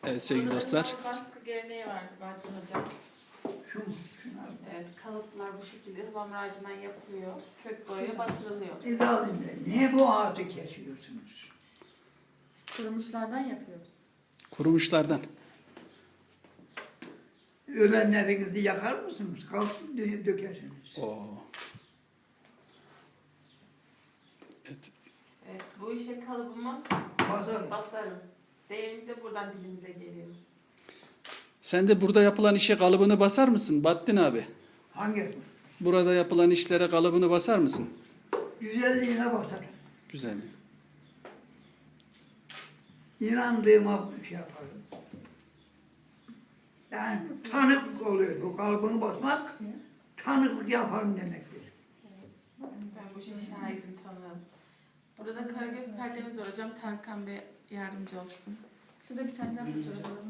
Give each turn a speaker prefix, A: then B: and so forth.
A: Evet sevgili
B: Burada
A: dostlar.
B: ıhlamur baskı geleneği vardı Bacın Hocam.
C: Şunlar.
B: Evet, kalıplar bu şekilde ıhlamur ağacından yapılıyor. Kök boyaya batırılıyor.
C: Zalim Bey, niye bu ağacı kesiyorsunuz?
D: Kurumuşlardan yapıyoruz.
A: Kurumuşlardan.
C: Ölenlerinizi yakar mısınız? Kalkıp dökersiniz.
A: Oo. Evet.
B: Evet, bu işe kalıbımı
C: Basarız.
B: basarım. Deyimi de buradan dilimize geliyor.
A: Sen de burada yapılan işe kalıbını basar mısın Bahattin abi?
C: Hangi?
A: Burada yapılan işlere kalıbını basar mısın?
C: Güzelliğine basarım.
A: Güzel.
C: İnandığıma şey yaparım. Yani tanıklık oluyor. Bu kalıbını basmak tanıklık yaparım demektir.
B: Ben bu işe şahidim, tanığım. Burada karagöz perdemiz var hocam. Tarkan Bey yardımcı olsun.
D: Şurada bir tane daha fotoğraf alalım.